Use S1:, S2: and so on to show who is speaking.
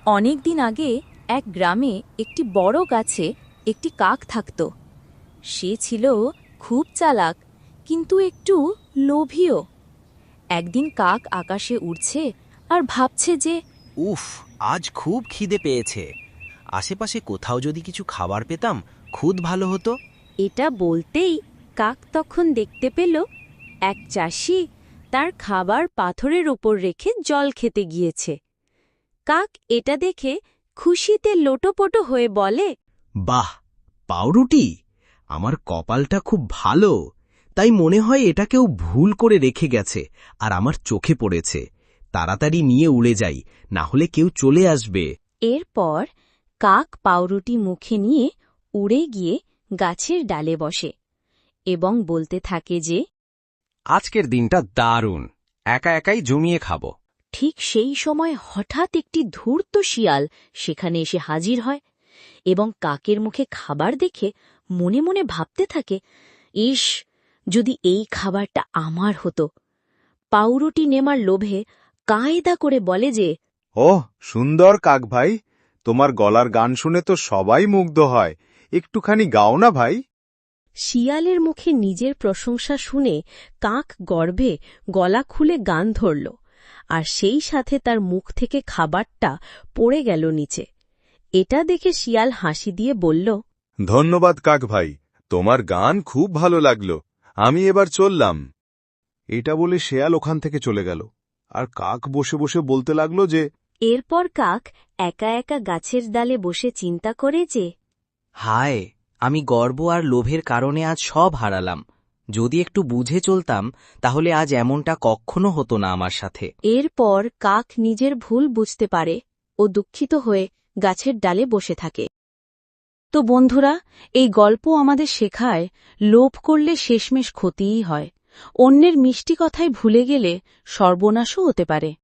S1: অনেক দিন আগে এক গ্রামে একটি বড় গাছে একটি কাক থাকত। সে ছিল খুব চালাক, কিন্তু একটু লোভীও। একদিন কাক আকাশে উড়ছে আর ভাবছে যে
S2: উফ, আজ খুব খিদে পেয়েছে। আশেপাশে কোথাও যদি কিছু খাবার পেতাম খুব ভালো হতো।
S1: এটা বলতেই কাক তখন দেখতে পেল এক চাষি তার খাবার পাথরের ওপর রেখে জল খেতে গিয়েছে। কাক এটা দেখে খুশিতে লোটোপটো হয়ে বলে,
S2: বাহ, পাউরুটি! আমার কপালটা খুব ভালো, তাই মনে হয় এটা কেউ ভুল করে রেখে গেছে আর আমার চোখে পড়েছে। তাড়াতাড়ি নিয়ে উড়ে যাই, না হলে কেউ চলে আসবে।
S1: এরপর কাক পাউরুটি মুখে নিয়ে উড়ে গিয়ে গাছের ডালে বসে এবং বলতে থাকে যে
S2: আজকের দিনটা দারুণ, একা একাই জমিয়ে খাবো।
S1: ঠিক সেই সময় হঠাৎ একটি ধূর্ত শিয়াল সেখানে এসে হাজির হয় এবং কাকের মুখে খাবার দেখে মনে মনে ভাবতে থাকে, ইস, যদি এই খাবারটা আমার হতো। পাউরুটি নেমার লোভে কায়দা করে বলে যে,
S3: ওহ, সুন্দর কাক ভাই, তোমার গলার গান শুনে তো সবাই মুগ্ধ হয়। একটুখানি গাও না ভাই।
S1: শিয়ালের মুখে নিজের প্রশংসা শুনে কাক গর্বে গলা খুলে গান ধরল, আর সেই সাথে তার মুখ থেকে খাবারটা পড়ে গেল নিচে। এটা দেখে শিয়াল হাসি দিয়ে বলল,
S3: ধন্যবাদ কাক ভাই, তোমার গান খুব ভালো লাগলো। আমি এবার চললাম। এটা বলে শেয়াল ওখান থেকে চলে গেল, আর কাক বসে বসে বলতে লাগলো যে
S1: এরপর কাক একা একা গাছের ডালে বসে চিন্তা করে যে,
S2: হায়, আমি গর্ব আর লোভের কারণে আজ সব হারালাম। যদি একটু বুঝে চলতাম তাহলে আজ এমনটা কখনো হতো না আমার সাথে।
S1: এরপর কাক নিজের ভুল বুঝতে পারে ও দুঃখিত হয়ে গাছের ডালে বসে থাকে। তো বন্ধুরা, এই গল্প আমাদের শেখায় লোভ করলে শেষমেশ ক্ষতিই হয়। অন্যের মিষ্টি কথায় ভুলে গেলে সর্বনাশও হতে পারে।